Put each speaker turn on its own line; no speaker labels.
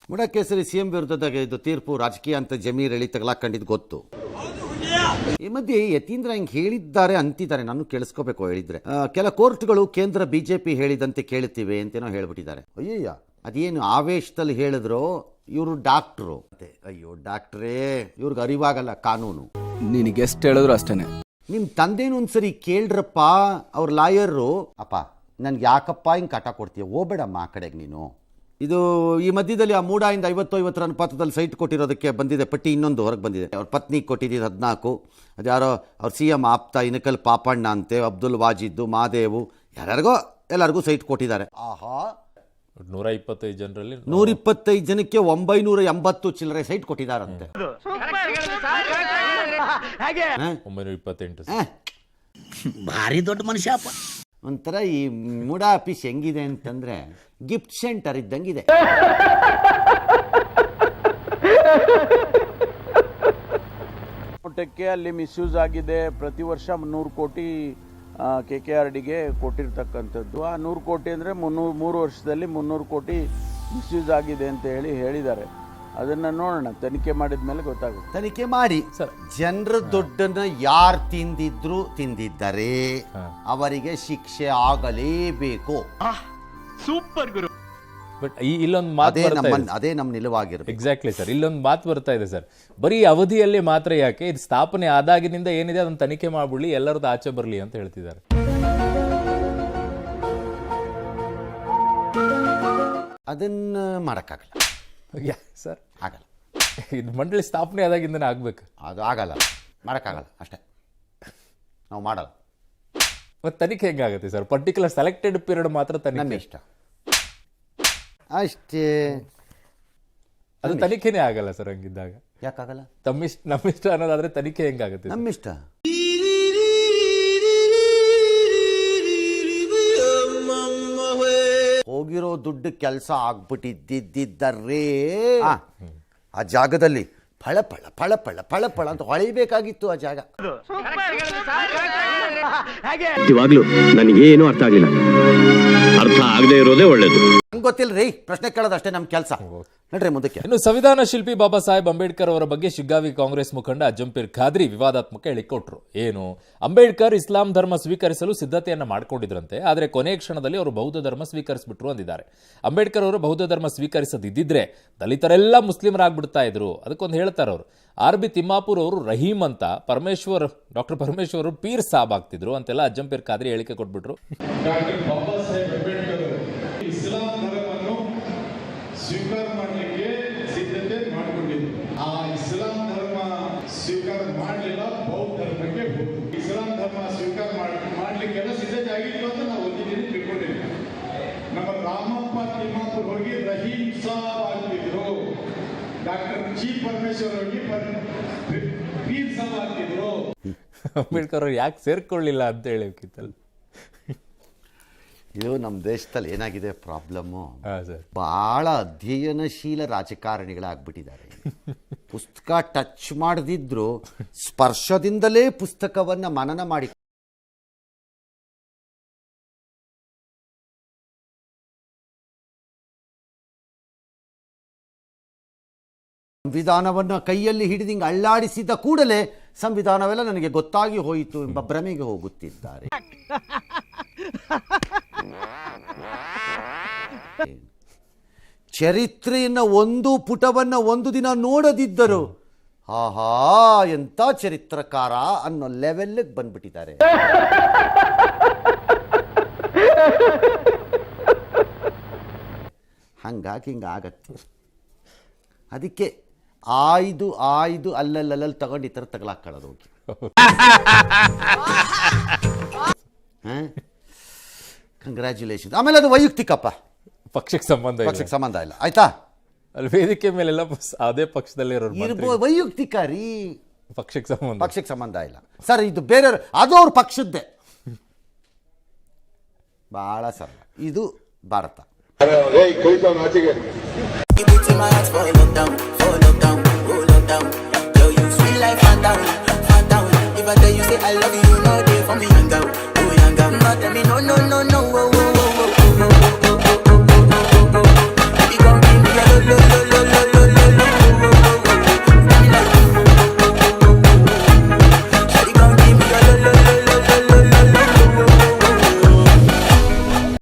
ಮುಡಕೇಸರಿ CM ವಿರುದ್ಧದ ಇದು ತೀರ್ಪು ರಾಜಕೀಯ ಅಂತ ಜಮೀರ್ ಹೇಳಿ ತಗಲಾಕೊಂಡಿದ್ದು ಗೊತ್ತು. ಈ ಮಧ್ಯೆ ಯತೀಂದ್ರ ಹಿಂಗೆ ಹೇಳಿದ್ದಾರೆ ಅಂತಿದ್ದಾರೆ, ನಾನು ಕೇಳಿಸ್ಕೋಬೇಕು ಹೇಳಿದ್ರೆ. ಕೆಲ ಕೋರ್ಟ್ಗಳು ಕೇಂದ್ರ ಬಿಜೆಪಿ ಹೇಳಿದಂತೆ ಕೇಳುತ್ತಿವೆ ಅಂತೇನೋ ಹೇಳ್ಬಿಟ್ಟಿದ್ದಾರೆ. ಅಯ್ಯಯ್ಯ, ಅದೇನು ಆವೇಶದಲ್ಲಿ ಹೇಳಿದ್ರು. ಇವರು ಡಾಕ್ಟ್ರು. ಅಯ್ಯೋ ಡಾಕ್ಟ್ರೇ, ಇವ್ರಿಗೆ ಅರಿವಾಗಲ್ಲ ಕಾನೂನು.
ನಿನಗೆ ಎಷ್ಟು ಹೇಳಿದ್ರು ಅಷ್ಟೇನೆ.
ನಿಮ್ಮ ತಂದೆನೂ ಒಂದ್ಸರಿ ಕೇಳ್ರಪ್ಪ, ಅವ್ರ ಲಾಯರು. ಅಪ್ಪ ನನ್ಗೆ ಯಾಕಪ್ಪ ಹಿಂಗೆ ಕಾಟ ಕೊಡ್ತೀಯ, ಹೋಗ್ಬೇಡಮ್ಮ ಆ ಕಡೆಗೆ ನೀನು. ಇದು ಈ ಮಧ್ಯದಲ್ಲಿ ಆ ಮೂಡಾಯಿಂದ 50-50 ಅನುಪಾತದಲ್ಲಿ ಸೈಟ್ ಕೊಟ್ಟಿರೋದಕ್ಕೆ ಬಂದಿದೆ ಪಟ್ಟಿ. ಇನ್ನೊಂದು ಹೊರಗೆ ಬಂದಿದೆ. ಅವ್ರ ಪತ್ನಿಗೆ ಕೊಟ್ಟಿದ್ದು 14. ಅದು ಯಾರೋ ಅವ್ರ CM ಆಪ್ತ ಇನಕಲ್ ಪಾಪಣ್ಣ ಅಂತೆ, ಅಬ್ದುಲ್ ವಾಜಿದ್ದು, ಮಾದೇವು, ಯಾರ್ಯಾರಿಗೋ ಎಲ್ಲರಿಗೂ ಸೈಟ್ ಕೊಟ್ಟಿದ್ದಾರೆ. ಆಹಾ,
125 ಜನರಲ್ಲಿ
125 ಜನಕ್ಕೆ 980 ಚಿಲ್ಲರೆ ಸೈಟ್ ಕೊಟ್ಟಿದ್ದಾರಂತೆ.
928
ಭಾರಿ ದೊಡ್ಡ ಮನುಷ್ಯ.
ಒಂಥರ ಈ ಮೂಡಾ ಆಫೀಸ್ ಹೆಂಗಿದೆ ಅಂತಂದ್ರೆ ಗಿಫ್ಟ್ ಸೆಂಟರ್ ಇದ್ದಂಗಿದೆ.
ಮಟ್ಟಕ್ಕೆ ಅಲ್ಲಿ ಮಿಸ್ಯೂಸ್ ಆಗಿದೆ. ಪ್ರತಿ ವರ್ಷ 100 ಕೋಟಿ KKRDಗೆ ಕೊಟ್ಟಿರ್ತಕ್ಕಂಥದ್ದು. ಆ 100 ಕೋಟಿ ಅಂದರೆ 3 ವರ್ಷದಲ್ಲಿ 300 ಕೋಟಿ ಮಿಸ್ಯೂಸ್ ಆಗಿದೆ ಅಂತ ಹೇಳಿದ್ದಾರೆ. ಅದನ್ನು ನೋಡೋಣ, ತನಿಖೆ ಮಾಡಿದ ಮೇಲೆ ಗೊತ್ತಾಗುತ್ತೆ.
ತನಿಖೆ ಮಾಡಿ ಸರ್, ಜನರ ದುಡ್ಡನ್ನ ಯಾರು ತಿಂದಿದ್ದಾರೆ ಅವರಿಗೆ ಶಿಕ್ಷೆ ಆಗಲೇಬೇಕು.
Super Guru. ಬಟ್ ಇಲ್ಲೊಂದು ಮಾತು
ಅದೇ ನಮ್ಮ ನಿಲುವಾಗಿರುತ್ತೆ.
Exactly sir. ಇಲ್ಲೊಂದು ಮಾತು ಬರ್ತಾ ಇದೆ ಸರ್, ಬರೀ ಅವಧಿಯಲ್ಲಿ ಮಾತ್ರ ಯಾಕೆ, ಇದು ಸ್ಥಾಪನೆ ಆದಾಗಿನಿಂದ ಏನಿದೆ ಅದನ್ನು ತನಿಖೆ ಮಾಡ್ಬಿಡ್ಲಿ, ಎಲ್ಲರದ್ದು ಆಚೆ ಬರಲಿ ಅಂತ ಹೇಳ್ತಿದ್ದಾರೆ.
ಅದನ್ನ ಮಾಡೋಕ್ಕಾಗಲ್ಲ
ಸರ್,
ಆಗಲ್ಲ.
ಇದು ಮಂಡಳಿ ಸ್ಥಾಪನೆ ಆದಾಗಿಂದನೇ ಆಗ್ಬೇಕು.
ಅದು ಆಗಲ್ಲ, ಮಾಡೋಕ್ಕಾಗಲ್ಲ ಅಷ್ಟೇ, ನಾವು ಮಾಡಲ್ಲ.
ಮತ್ತೆ ತನಿಖೆ ಹೆಂಗಾಗುತ್ತೆ ಸರ್? ಪರ್ಟಿಕ್ಯುಲರ್ ಸೆಲೆಕ್ಟೆಡ್ ಪೀರಿಯಡ್ ಮಾತ್ರ ತನಿಖೆ.
ನಮ್ಮ ಇಷ್ಟ ಅಷ್ಟೇ.
ಅದು ತನಿಖೆನೇ ಆಗಲ್ಲ ಸರ್ ಹಂಗಿದ್ದಾಗ.
ಯಾಕಾಗಲ್ಲ?
ನಮ್ಮಿಷ್ಟ ಅನ್ನೋದಾದ್ರೆ ತನಿಖೆ ಹೆಂಗಾಗುತ್ತೆ?
ನಮ್ಮಿಷ್ಟ. ಹೋಗಿರೋ ದುಡ್ಡು ಕೆಲಸ ಆಗ್ಬಿಟ್ಟಿದ್ದಿದ್ದರೆ ಆ ಜಾಗದಲ್ಲಿ ಫಳ ಫಳ ಫಳ ಫಳ ಫಳ ಫಳ ಅಂತ ಹೊಳಿಬೇಕಾಗಿತ್ತು ಆ ಜಾಗ.
ಇವಾಗ್ಲೂ ನನಗೇನು ಅರ್ಥ ಆಗಲಿಲ್ಲ. ಅರ್ಥ ಆಗದೆ ಇರೋದೇ ಒಳ್ಳೇದು.
ನಂಗೆ ಗೊತ್ತಿಲ್ಲ ರೀ, ಪ್ರಶ್ನೆ ಕೇಳೋದು ಅಷ್ಟೇ ನಮ್ಮ ಕೆಲಸ. ನಡ್ರಿ ಮುಂದಕ್ಕೆ.
ಇನ್ನು ಸಂವಿಧಾನ ಶಿಲ್ಪಿ ಬಾಬಾ ಸಾಹೇಬ್ ಅಂಬೇಡ್ಕರ್ ಅವರ ಬಗ್ಗೆ ಶಿಗ್ಗಾವಿ ಕಾಂಗ್ರೆಸ್ ಮುಖಂಡ ಅಜ್ಜಂಪೀರ್ ಖಾದ್ರಿ ವಿವಾದಾತ್ಮಕ ಹೇಳಿಕೊಟ್ರು. ಏನು, ಅಂಬೇಡ್ಕರ್ ಇಸ್ಲಾಂ ಧರ್ಮ ಸ್ವೀಕರಿಸಲು ಸಿದ್ಧತೆಯನ್ನ ಮಾಡ್ಕೊಂಡಿದ್ರಂತೆ, ಆದರೆ ಕೊನೆಯ ಕ್ಷಣದಲ್ಲಿ ಅವರು ಬೌದ್ಧ ಧರ್ಮ ಸ್ವೀಕರಿಸಿಬಿಟ್ರು ಅಂದಿದ್ದಾರೆ. ಅಂಬೇಡ್ಕರ್ ಅವರು ಬೌದ್ಧ ಧರ್ಮ ಸ್ವೀಕರಿಸದಿದ್ದಿದ್ರೆ ದಲಿತರೆಲ್ಲ ಮುಸ್ಲಿಮರಾಗ್ಬಿಡ್ತಾ ಇದ್ರು. ಅದಕ್ಕೊಂದು ಹೇಳ್ತಾರೆ ಅವರು. RB ತಿಮ್ಮಾಪುರ್ ಅವರು ರಹೀಂ ಅಂತ, ಡಾಕ್ಟರ್ ಪರಮೇಶ್ವರ್ ಪೀರ್ ಸಾಬ್ ಆಗ್ತಿದ್ರು ಅಂತೆಲ್ಲ ಅಜ್ಜಂಪೀರ್ ಖಾದ್ರಿ ಹೇಳಿಕೆ ಕೊಟ್ಬಿಟ್ರು.
ಸ್ವೀಕಾರ ಮಾಡಲಿಕ್ಕೆ ಸಿದ್ಧತೆ ಮಾಡಿಕೊಂಡಿದ್ರು. ಆ ಇಸ್ಲಾಂ ಧರ್ಮ ಸ್ವೀಕಾರ ಮಾಡಲಿಲ್ಲ, ಬೌದ್ಧ ಧರ್ಮಕ್ಕೆ ಹೋದ್ರು. ಇಸ್ಲಾಂ ಧರ್ಮ ಸ್ವೀಕಾರ ಮಾಡಲಿಕ್ಕೆಲ್ಲ ಸಿದ್ಧತೆ ಆಗಿತ್ತು ಅಂತ ನಾವು ಒಂದಿನ ತಿಳ್ಕೊಂಡಿದ್ವಿ. ನಮ್ಮ ರಾಮಪ್ಪ ತಿಮ್ಮಾಪುರ್ ಹೋಗಿ ರಹೀಂ ಸಾಬ್ ಆಗ್ತಿದ್ರು, ಡಾಕ್ಟರ್ ಜಿ ಪರಮೇಶ್ವರ್ ಹೋಗಿ ಪೀರ್ ಸಾಬ್ ಆಗ್ತಿದ್ರು.
ಅಂಬೇಡ್ಕರ್ ಅವ್ರು ಯಾಕೆ ಸೇರ್ಕೊಳ್ಳಿಲ್ಲ ಅಂತ ಹೇಳಿಕ್ಕಿತ್ತಲ್ಲ.
ಇದು ನಮ್ಮ ದೇಶದಲ್ಲಿ ಏನಾಗಿದೆ ಪ್ರಾಬ್ಲಮ್ಮು, ಭಾಳ ಅಧ್ಯಯನಶೀಲ ರಾಜಕಾರಣಿಗಳಾಗ್ಬಿಟ್ಟಿದ್ದಾರೆ. ಪುಸ್ತಕ ಟಚ್ ಮಾಡದಿದ್ರು ಸ್ಪರ್ಶದಿಂದಲೇ ಪುಸ್ತಕವನ್ನು ಮನನ ಮಾಡಿ ಸಂವಿಧಾನವನ್ನು ಕೈಯಲ್ಲಿ ಹಿಡಿದು ಹಿಂಗೆ ಅಳ್ಳಾಡಿಸಿದ ಕೂಡಲೇ ಸಂವಿಧಾನವೆಲ್ಲ ನನಗೆ ಗೊತ್ತಾಗಿ ಹೋಯಿತು ಎಂಬ ಭ್ರಮೆಗೆ ಹೋಗುತ್ತಿದ್ದಾರೆ. ಚರಿತ್ರೆಯನ್ನ ಒಂದು ಪುಟವನ್ನ ಒಂದು ದಿನ ನೋಡದಿದ್ದರು ಆಹಾ ಎಂತ ಚರಿತ್ರಕಾರ ಅನ್ನೋ ಲೆವೆಲ್ಗೆ ಬಂದ್ಬಿಟ್ಟಿದ್ದಾರೆ. ಹಂಗಾಗಿ ಹಿಂಗಾಗತ್ತೆ. ಅದಕ್ಕೆ ಆಯ್ದು ಅಲ್ಲಲ್ಲಿ ತಗೊಂಡು ಈ ಥರ ತಗಲಾಕೊಳ್ಳೋದು ಹೋಗಿ. ಕಂಗ್ರ್ಯಾಚುಲೇಷನ್. ಆಮೇಲೆ ಅದು ವೈಯಕ್ತಿಕಪ್ಪ,
ಪಕ್ಷಕ್ಕೆ
ಸಂಬಂಧ ಇಲ್ಲ, ಆಯ್ತಾ?
ಅಲ್ಲಿ ವೇದಿಕೆ ಮೇಲೆಲ್ಲ ಅದೇ ಪಕ್ಷದಲ್ಲಿ
ಇರ್ಬೋದು, ವೈಯಕ್ತಿಕ ರೀ,
ಪಕ್ಷಕ್ಕೆ
ಸಂಬಂಧ ಇಲ್ಲ ಸರ್. ಇದು ಬೇರೆಯವ್ರು, ಅದು ಅವ್ರ ಪಕ್ಷದ್ದೇ. ಬಹಳ ಸರಳ, ಇದು ಭಾರತ.